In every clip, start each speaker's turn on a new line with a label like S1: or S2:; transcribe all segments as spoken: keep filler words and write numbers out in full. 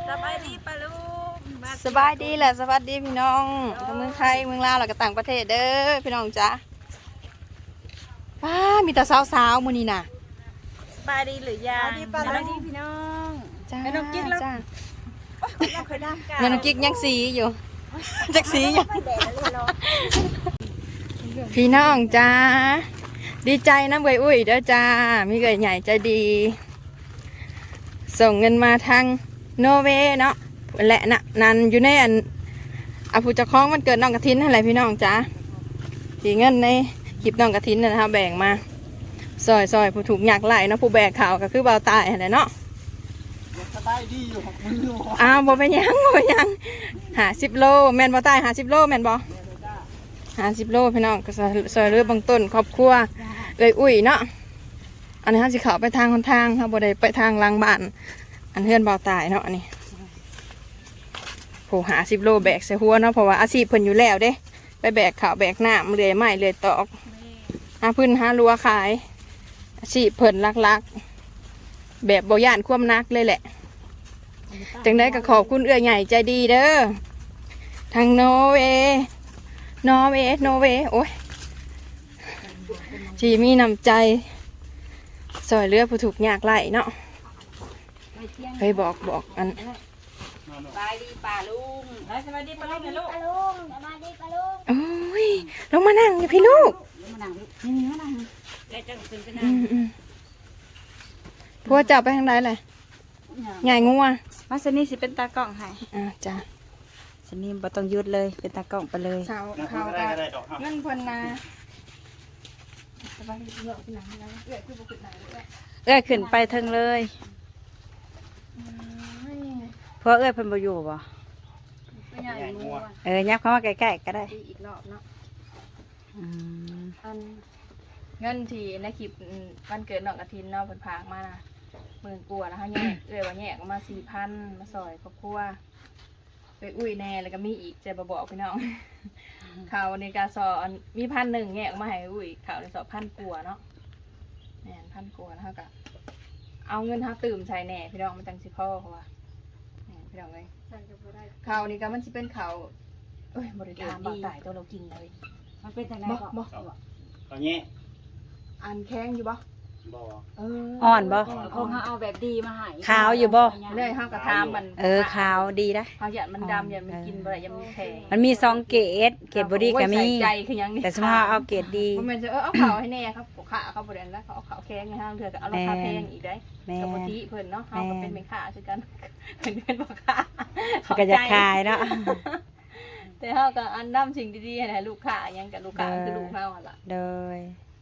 S1: สบายดีปะลูก
S2: สบายดีแหละสวัสดีพี่น้องทั้งเมืองไทยเมืองลาวแล้วก็ต่างประเทศเด้อพี่น้องจ้าป้ามีแต่สาวๆมื้อนี้น่ะ
S1: สบายดีหรือยัง
S3: สบายดีพี่น้อง
S2: จ้า
S1: แม่น้องกิ๊กแล้ว
S2: จ้า
S1: เราเคยได้กัน
S2: แม่น้องกิ๊กยังสีอยู่จักสีอยู่พี่น้องจ้าดีใจนะเบยอุ้ยเด้อจ้ามีเกยใหญ่ใจดี ส่งเงินมาทางโนเวย์เนาะและนะนันอยู่ในอันอาภูจะคล้องมันเกิดน้องกระทินอะไรพี่น้องจ้าสีเงินในคลิปน้องกระทินนะครับแบ่งมาซอยซอยผู้ถูกหยักไหลเนาะผู้แบกข่าวก็คือเบาตายอะไรเนาะ
S3: สบายดีอยู่ของมืออยู่
S2: อ้าวบ่เป็นหยังบ่เป็นหยังหาสิบโลแม่นบ่ตายหาสิบโลแม่นบ่หาสิบโลพี่น้องก็ซอยเรือบางต้นครอบครัวเอ้ยอุ้ยเนาะอันนี้เขาสิเข้าไปทางคนทางเขาบ่ได้ไปทางหลังบ้านอันเฮือนเบาตายเนาะอันนี้ผู้หาสิบโลแบกใส่หัวเนาะเพราะว่าอาชีพเพิ่นอยู่แล้วเด้ไปแบกข้าวแบกน้ำเลื่อยไม้เลื่อยตอกหาพื้นหารัวขายอาชีพเพิ่นลักๆแบบบ่ย่านความนักเลยแหละจังได้ก็ขอบคุณเอื้อใหญ่ใจดีเด้อทางโนเวนอเวโนเวโอ้ยที่มีน้ำใจซอยเรือผู้ถูกยากไล่เนาะเคยบอกบอกอัน
S1: สบายดีป่าลุงสบายดีปะลุงนะลูก
S4: ปลาลุงสบายดีปลาลุง
S2: โอ้ยลงมานั่งอยู่พี่ลูก
S3: มานั่งนี่นี่มานั่ง
S1: แล้วจะขึ้นไป
S2: อื
S1: นั่ง
S2: มอืมพวกเจ้าไปทางใดเลยใหญ่งัว
S3: มาสนี่สิเป็นตากล้องให้
S2: อ่าจ้ะ
S3: สนี่บ่ต้องยุดเลยเป็นตากล้องไปเลย
S2: สาวเขาก็เงินเพิ่นมาสบายดีเยอะขึ้นหนังแล้วเอื้อคือบ่ขึ้นหนังเลย
S3: เอ้ยขึ้นไปเทิงเลยเพราะเอ้ยเพิ่นบ่อยู่บ่
S2: ไม่ใหญ่งัว
S3: เออยับเข้ามาใกล้ๆก็ได้
S2: ดีอีกรอบเนาะ
S3: อืม
S2: อันเงินที่ในคลิปวันเกิดน้องกระทินเนาะเพิ่นพากมานะหมื่นกว่าแล้วฮะแยกเอ้ยว่าแยกออกมาสี่พันมาซอยครอบครัวไปอุ้ยแน่แล้วก็มีอีกจะบ่บอกพี่น้องข่าวในกาซออันมีพันหนึ่งแยกออกมาให้อุ้ยข่าวในสอบพันกว่าเนาะแหน่พันกว่าแล้วก็เอาเงินหาตื่มใส่แหน่พี่น้องมันจังสิพ่อเขาว่าแหน่พี่น้องเลยข่าวนี้ก็มันสิเป็นข่าวเอ้ยบริการบ่ตายตัวเรากินเลย
S3: มันเป็นจังได๋
S2: บ่
S3: ก็
S2: บ่
S5: เอาเงี้ย
S2: อันแข้งอยู่บ่
S5: บ่
S2: เออ
S3: อ่อนบ่
S1: คงเอาแบบดีมาให้
S3: ขาวอยู่บ่
S2: เลยห้ามกระทามมัน
S3: เออขาวดีนะ
S2: เขาหยัดมันดำหยัดมันกินบ่ได้ยังมันแข็ง
S3: มันมีสองเกรดเกรดบ่ดีก็มี
S2: ใส่ใจคือหยังนี่
S3: แต่สมมุติว่าเอาเกรดดี
S2: มันจะเออเอาขาวให้แน่ครับขาเขาบ่ได้แล้วเขาเอาขาวแข้งให้ห้างเถื่อก็เอาราคาแพงอีกได้
S3: แม่
S2: กับปกติเพิ่นเนาะเฮาก็เป็นแม่ค้าคือกันเพิ่นเป็นพ่อค้า
S3: เขาก็จะขายเนาะ
S2: แต่เฮาก็อันนำสิ่งดีๆให้ลูกค้าหยังกับลูกค้าคือลูกเฮาหั่นล่ะ
S3: โดย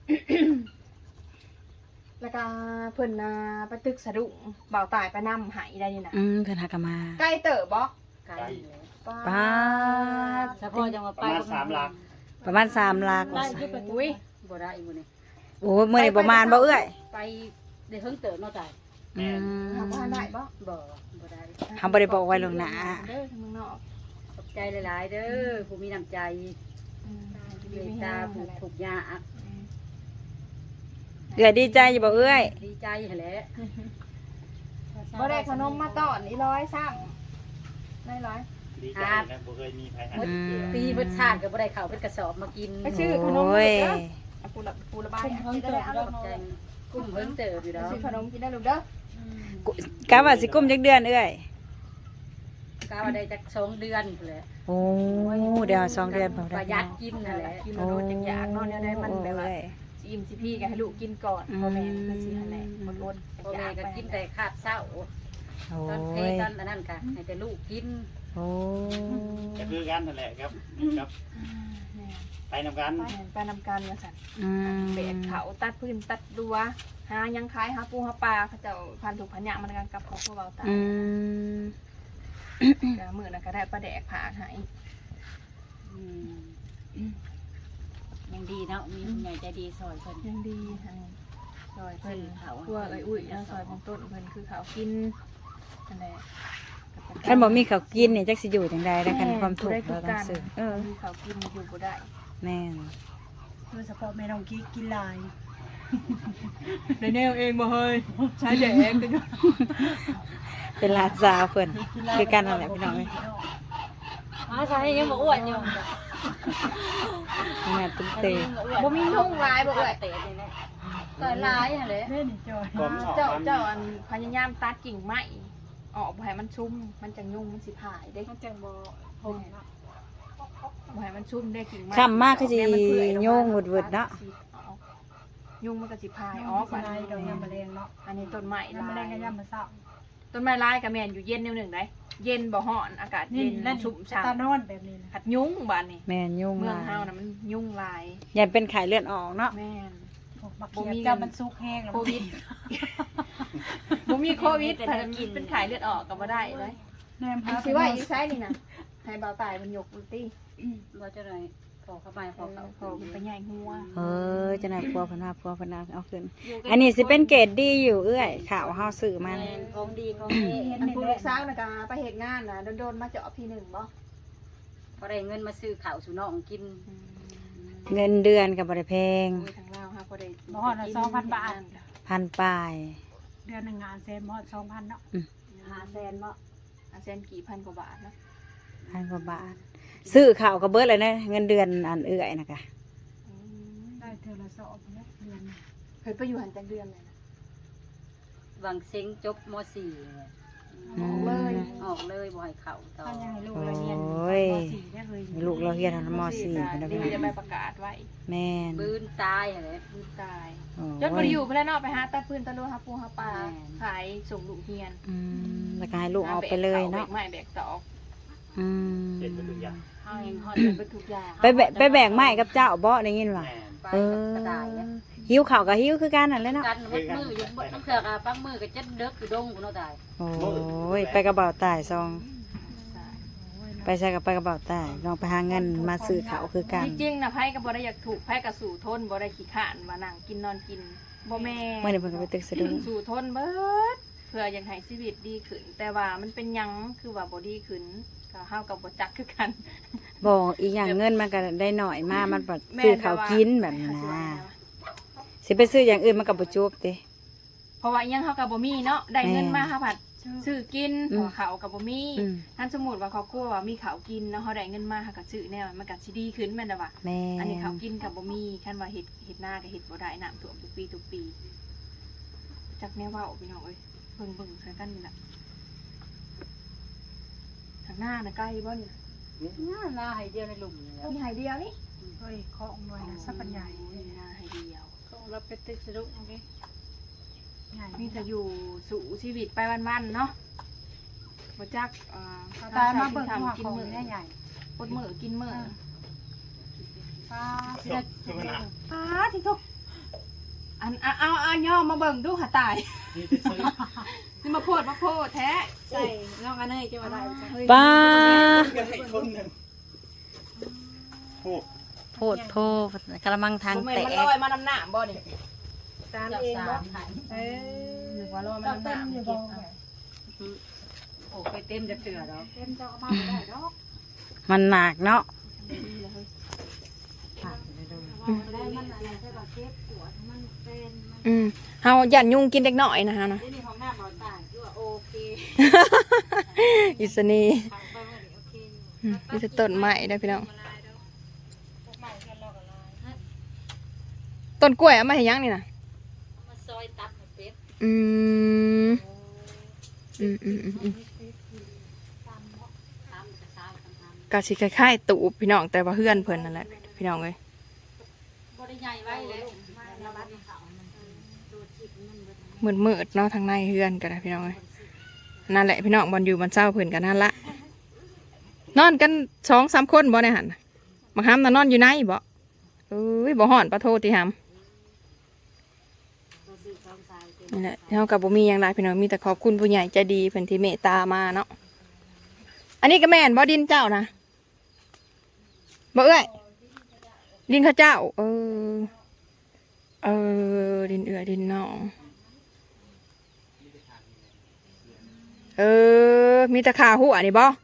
S2: แล้วก็เพิ่นน่ะไปตึกสะดุ้งเบาตายไปนำหายได้นี่นะ
S3: อืมเพิ่นหากนมา
S2: ใกล้เติบบ่
S5: ไก่
S3: ป้าด
S1: เฉพาะจังหวัด
S5: ประมาณสามหลัก
S3: ประมาณสามลักว่า
S1: ได้
S3: ซั่น
S1: คือเป็นอุ้ยบ่ได้อีกมื้อนี้
S3: โอ้ยมื้อนี้ประมาณบ่เอื้อย
S1: ไปได้เพิ่งเติบเนาะจ้ะ
S3: อืม
S2: เฮาบ่ทันได้บ่
S1: บ่บ่ได้
S3: เฮาบ่ได้บอกไว้ล่วงหน้า
S2: เด้อทางเมืองนอก
S1: ขอบใจหลายๆเด้อผู้มีน้ำใจ
S2: อืม
S1: เมตตาผู้ทุกข์ยาก
S3: เอื้อยดีใจอยู่บ่เอื้อย
S1: ดีใจหั่นแหละ
S2: บ่ได้ขนมมาตอนอีร้อยซ้ำได้ร้อย
S5: ดีใจนะบ่เคยมีใครให้
S3: อืม
S1: ปีเพิ่นชาติก็บ่ได้เข้าเป็นกระสอบมากิน
S2: ไปซื้อขนม
S3: โอ้ย
S2: เด้อเอาปูละปูละบายอ่ะจะได้เอา
S1: ขอบใจกุ้มเพิ่งเติบอยู่
S2: ไป
S1: ดอก
S2: ซื้อขนมกินได้ลูกเด้อก
S3: ะว่าสิกุมจักเดือนเอื้อย
S1: กาว่าได้จักสองเดือนพุ่นแหละ
S3: โอ้เดี๋ยวสองเดือนพอ
S1: ป
S3: ได้
S1: ระหยัดกินนั่นแหละ
S2: กินแล้วโดนจังอยากเนาะเนี่ยได้มันแบบว่า
S3: โอ้ย
S2: สิอิ่มสิพี่ก็ให้ลูกกินก่อนพ่อแม่คือสิหั่นแหละบ่โดน
S1: พ่อแม่ก็กินแต่ขาดเศร้า
S3: โอ้
S1: ตอนเพ
S3: ย
S1: ตอนอันนั้นก็ให้แต่ลูกกิน
S3: โอ้
S5: ก็คือกันนั่นแหละครับครับ ไปนำกัน
S2: ไปไปนำการว่าซั่น
S3: อืม
S2: เบกเขาตัดพื้นตัดดัวหายังขายหาปูหาปลาเขาเจ้าพันถูกพันยางมันกันกับของพวกเราตาย
S3: อืม
S2: ก็มื้อนั้นก็ได้ปลาแดกผาให้
S1: ยังดีเนาะมีผู้ใหญ่ใจดีซอยเพิ่น
S2: ยังดีทางซอยเพิ่นพวกไอ้อุ้ยแล้วซอยของต้นเพิ่นคือเขากินนั่นแหละ
S3: คันบ่มีข้าวกินนี่จักสิอยู่จังได๋แล้วคันความทุกข์เราต้องซื้อเออ
S2: มีเขากินอยู่บ่ได้
S3: แม่น
S1: โดยเฉพาะแม่น้องกิ๊กกินหลาย
S2: ในแนวเองบ่เฮ้ยใช้แดกกัน
S3: เป็นหลานสาวเพิ่นคือกันนั่นแหละพี่น้องเอ้ย
S1: มาใช้ยังบ่อ้วนอยู่
S3: แม่ตุ้มเตะ
S2: บ่มีนุ่งลายบ่เอ้ย
S1: เตะนี่แหละ
S2: ก็ลายหั่นแหละ
S5: ผมออก
S2: เจ้า
S5: มัน
S2: เจ้าอันพยายามตัดกิ่งไม้ออกบ่ให้มันชุ่มมันจังยุ่งมันสิผายเด้
S1: มันจังบ่
S2: บ่ให้มันชุ่มได้กิ่งไม้
S3: ค่ำมากคือสิโยงหวดๆเนาะ
S2: ยุ่งมันก็สิพายออกบัดนี้
S1: ดอกยามแมลงเนาะ
S2: อันนี้ต้นไม้
S1: ยามแมล
S2: ลาง ย
S1: ก็ยามมื้อเช้า
S2: ต้นไม้ลายก็แม่นอยู่เย็นแนวหนึ่งได้เย็นบ่ฮ้อนอากาศ
S1: นี่
S2: เย็น
S1: นั่น
S2: ชุ่ม
S1: ตา
S2: ฉ่ำ
S1: นอนแบบนี้นะ
S2: ผัดยุ่งบ้านนี่
S3: แม่นยุ่ง
S2: เมื
S3: ห
S2: อง
S3: ลาย
S2: เฮาน่ะมันยุ่งหลาย
S3: อย่าเป็นไข้เลือดออกเนาะ
S2: แม่น
S1: บักเขียบจ้ามันสุกแห้งแล้ว
S2: โควิดบ่มีโควิดแต่เป็นไข้เลือดออกก็บ่ได้เลย
S1: แนมพา
S2: สิว่าอยู่ไสนี่น่ะให้เบาตายมันยกมันติ
S1: บ่จะได้พอเข้าไปพ
S2: พ
S1: อ
S2: อ
S1: เข้า
S2: พอมันไปใหญ่หัว
S3: เออจะไหนพัวเพนว่าพัวเพนว่าเอาขึ้นอันนี้สิเป็นเกรดดีอยู่เอื้อยข่าวเฮาซื้อมา
S1: แม่
S3: นะ
S1: นของดีของดีเฮ็ด
S2: อัน
S1: นี่
S2: ผู้
S1: แห
S2: ลู
S1: ละ
S2: กสาวน่ะก็ไปเฮ็ดงานน่ะโดนๆมาเจาะพี่หนึ่งบ่
S1: บ่ได้เงินมาซื้อข้าวสู่น้องกิน
S3: เงินเดือนกับบริแพง
S2: โอ้ยทางลาวฮะบ่ได้
S1: บ่ฮอดละสองพันบาท
S3: พันปลาย
S1: เดือนหนึงงานแสนบ่ฮอดสองพันเนาะห้าแสนบ่
S2: อาเซนกี่พันกว่าบาทนะ
S3: พันกว่าบาท ซื้อข่าวกับเบิร์ดเลยนะเงินเดือนอันเอื้อยนะคะ
S2: อืม
S1: ได้เทื่อละสองเนาะเดือน
S2: เคยไปอยู่หันจังเดือนเลยนะ
S1: บางเซ็งจบม สี่
S2: ออกเลย
S1: ออกเลยบ่ให้เข้าต่อ
S2: ถ้ายังให้ลูก
S3: โอ้
S2: เราเรียน
S3: ย
S2: สี่ได้เลย
S3: ลูกเราเรียนทันมสี่
S2: ได้
S3: คนละ
S2: ดี
S3: พี่
S2: จะไปประกาศไว้
S3: แม่น
S1: ปืนตายอะไร
S2: พื้นตาย
S3: โอ้
S2: จนบริอยู่เพื่อนนอกไปหาตัดพื้นตะลุหาปูหาปลา
S1: แม่น
S2: ขายส่งลูกเฮียน
S3: อืมแล้วก็ให้ลูกเอาไปเลยเนาะ
S2: แบกไม้แบกตอก
S3: อืม
S5: เห็นเป็นทุกอย่าง
S1: เฮาเองฮอด
S2: เป็นทุกอย่าง
S3: ไปแบกไปแบกไม้กับเจ้าบ่ได้ยินว่า
S5: แม่น
S1: ไป
S3: เอ
S1: กับ
S3: อก
S1: ระต่ายเนี่ย
S3: หิวข่าวกับหิวคือกันนั่นแหละเนาะ
S1: กันวัดมืออยู่บ่ต้องเถือกอ่ะปักมือก็จะเด็กอยู่ดงกูเนาะตาย
S3: โอ้ยไปกระเป๋าตายซอง ไปใส่กับไปกระเป๋าตายลองไปหาเงินมาซื้อเขาวคือกัน
S2: จริงๆนะไพ่ก็บ่ได้อยากถูกไพ่กับสู่ทนบ่ได้ขี้ข้านมานั่งกินนอนกินบ่แม่
S3: เมื่อเดี๋ยวเพิ่นก็ไปตึกสะดุ้ง
S2: สู่ทนเบิดเพื่ออยากให้ชีวิตดีขึ้น แต่ว่ามันเป็นหยังคือว่าบ่ดีขึ้นก็เฮากับบ่จักคือกัน
S3: บอกอีกอย่างเงินมันก็ได้หน่อยมากมันปัดซื้อเขาวกินแบบนี้นะสิไปซื้ออย่างอื่นมันก็บ่จบเด้
S2: เพราะว่าอิหยังเฮากับบ่มีเนาะได้เงินมาเฮาผัดซื้อกิน
S3: อืม
S2: หัวเขาวกับบ่มี
S3: อืม
S2: ท่านสมมุติว่าครอบครัวว่ามีข้าวกินเนาะเฮาได้เงินมาเฮาก็ซื้อแนวมันก็สิดีขึ้นแม่นบ่ว่า
S3: แม่
S2: อันนี้ข้าวกินกับบ่มีคันว่าเฮ็ดเฮ็ดนาก็เฮ็ดบ่ได้น้ำท่วมทุกปีทุกปีจักแนวเว้าพี่น้องเอ้ยเบิ่งเบิ่งใส่กันนี่ล่ะทางหน้าน่ะใกล้บ่นี่
S1: น่าหน้าให้เดียวในหลุมนี่แหล้ว
S2: มีหายเดียวนี่
S1: เฮ้ยของหน่วยนะสักปัญญา
S2: หน้าหายเดียว
S1: ของเราไปตึกสะดุ้งโอเคใหญ่
S2: มีแต่อยู่สู่ชีวิตไปวันๆเนาะบ่จักเอ่อ
S1: ตายมาเบิ่งหัว
S2: กิน
S1: ของ
S2: มื้อ
S1: ใหญ่
S2: ปดมื้อกินมื้อ
S1: ป้า
S5: จบคือมันอ่ะ
S2: ป้าที่ทุกอันเอาเอาเอาย่อมาเบิ่งดูหาตาย
S5: นี่จะซื้อ
S2: นี่มาโพดมาโพดแท้
S1: ใส่น้องอันนี้จะมาได้จ้ะ
S3: ป้า
S5: กันให้คนหนึ่งโอ้
S3: โพดโพดกระมังทาง
S2: บ่แม่น
S3: แต
S2: มัน
S3: ก
S2: ลอยมาน้ำหน้าบ่นี่
S1: ตามเองบ่เออ
S2: หรือว่าลอยมาน้ำหน้า
S1: อยู่
S2: เก็
S1: บ่
S2: บเอา
S1: โอ้ไปเต็มจะเถื่อดอกเต็มจะเอามาได้ดอก
S3: มันหนักเนาะ
S2: ดีเลย
S1: ได้มันอะไรใช่ป่ะเจ็บปวดมันเป็น
S2: อืมเฮาย่านยุงกินเด็กน้อยนะฮะนะ
S1: ที่นี่ของหน้าบ่ตายคือว่าโอเค
S2: อิสนี
S1: ทางไปว่าโอเค
S2: อืมมีแต่ต้นไม้ได้อพี่น้อง
S1: ใหม่กันรอกันลาย
S2: ต้นกล้วยเอามาให้ยังนี่นะ
S1: มาซอยตับให้เป็ด
S2: อืมอืมอืมอืมอืม
S1: ตามเนาะตามกระซ้ำตาม
S2: กะสิคล้ายๆตูบพี่น้องแต่ว่าเฮือนเพิ่นนั่นแหละพี่น้องเอ้ย
S1: บ่ได้ใหญ่ไว้เลยมาระบาดเขามันดูจิตมันเบิด
S2: มืดมืดๆเนาะทางในเฮือนกันนะพี่น้องเอ้ยนั่นแหละพี่น้องบอลอยู่บอลเศร้าเพิ่นกันนั่นละนอนกันสองสามคนบ่ในหันน่ะบางห้ามน่ะนอนอยู่ในบ่เอ้ยบ่ห่อนปะโทติหาม
S1: ตัวซื้อสองสายเป็น
S2: นี่แหละเฮากับบ่มีหยังหลายพี่น้องมีแต่ขอบคุณผู้ใหญ่ใจดีเพิ่นที่เมตตามาเนาะอันนี้ก็แม่นบ่ดินเจ้านะบ่เอ้ยดินข้าเจ้า เออเออดินเอื้อดินน้อง เออ มีตะขาหัวนี่บ่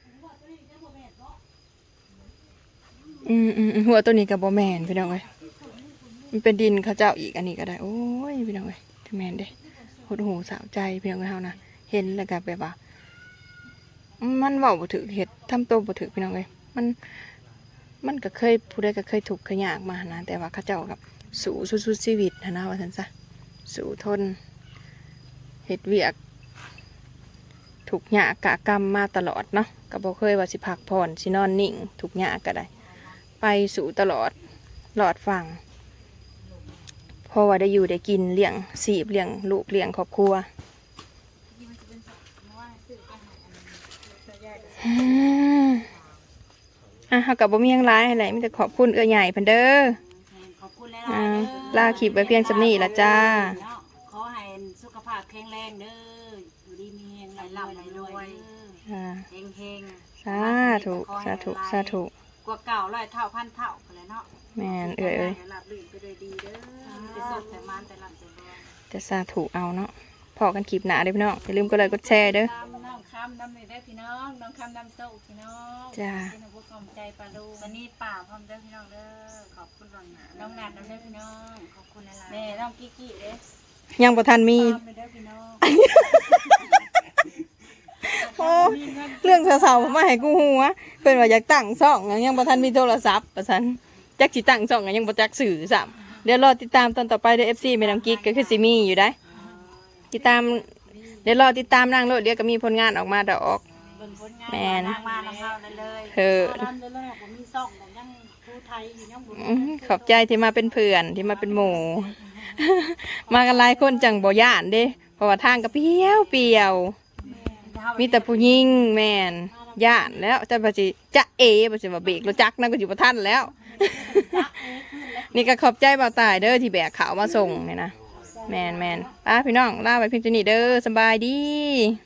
S2: อืมอืมอืมหัวตัวนี้กับบ่แมนพี่น้องเอ้ยมันเป็นดินเขาเจ้าอีกอันนี้ก็ได้ โอ้ยพี่น้องเอ้ยที่แมนเด้หดหูสาวใจพี่น้องเอ้ยเฮานะเฮ็ดเห็นแล้วก็แบบว่ามันเว้าบ่ถูกเฮ็ดทำตัวบ่ถูกพี่น้องเอ้ยมันมันก็เคยผู้ใดก็เคยถูกข์เคยยากมานะแต่ว่าเขาเจ้ากับสู้สุดๆชีวิตนะนะว่าซั่นซะสู้ทนเฮ็ดเวียกถูกข์ยากกะกรรมมาตลอดเนาะก็บ่เคยว่าสิพักผ่อนสินอนนิ่งถูกข์ยากก็ได้ไปสู่ตลอดหลอดฟังเพราะว่าได้อยู่ได้กินเลี้ยงสีบเลี้ยงลูกเลี้ยงครอบครัวอืมอ่ะเฮากับบ่มีหยังหลายให้ไหนมีแต่ขอบคุณเอื้อใหญ่เพิ่นเด้อ
S3: ขอบคุณหลาย
S2: อ่า
S3: ๆเด้อ
S2: ลาคลิปไว้เพียงสำนี้ละจ้า
S3: เนาะขอให้สุขภาพแข็งแรงเด้ออยู่ดีมีแรงไหลล่ำไหลรวย
S2: อ่า
S3: เฮงเฮง
S2: สาธุสาธุสาธุ
S3: กว่าเก่าร้อยเท่าพันเท่าไปเลยเนาะ
S2: แม่นเอ้ยเอ้ย
S3: หลับลื่นไปด้วยดีเด้อไปสดแต่มันแต่ลำแต่รวย
S2: จะสาธุเอาเนาะพอกันคลิปหน้าเด้อพี่น้องอย่าลืมกดไลค์กดแชร์เด้อ
S3: น้ำน้ำคำน้ำนี่ได้พี่น้องน้ำคำน้ำโซ่พี่น้อง
S2: จ้า
S3: เป็นผู้กำใจปลาลูสนี่ป่าพร้อมเด้อพี่น้องเด้อขอบคุณน้องหนาน้องหนัดน้ำเด้อพี่น้องขอบคุณหลายๆแม่น้องกิ๊กกี้เด้อ
S2: ยังบ่ทันมี
S3: ตามไปเด้อพี่น้อง
S2: โอ้เรื่องเศร้าๆผมมาให้กูฮู้วะเพิ่นว่าอยากตั้งช่องยังบ่ทันมีโทรศัพท์ว่าซั่นจักสิตั้งช่องยังบ่จักสื่อซ้ำเดี๋ยวรอติดตามตอนต่อไปเด้อ เอฟ ซี แม่น้ำกิ๊กก็คือสิมีอยู่ได้ติดตามเดี๋ยวรอติดตามนางโลดเดี๋ยวก็มีผลงานออกมาดอก
S3: เบิ่งผลงาน
S2: แม่น
S3: นางมาน้ำเข้าได้เลย
S2: เออ
S1: ตอนแรกผมมีซ่องแต่ยังครูไทยอยู่ยังบ่
S2: อื้อขอบใจที่มาเป็นเพื่อนที่มาเป็นหมู่ มากันหลายคนจังบ่ย่านเด้เพราะว่าทางก็เปรี้ยวเปรี้ยวมีแต่ผู้หญิงแม่นย่านแล้วจะบ่สิจะเอบ่สิว่าเบรกรถจักรนั่นก็สิบ่ทันแล้ว นี่ก็ขอบใจบ่าวตายเด้อที่แบกข่าวมาส่งเนี่ยนะแม่นแม่นป้าพี่น้องลาไปเพียงเท่านี้เด้อสบายดี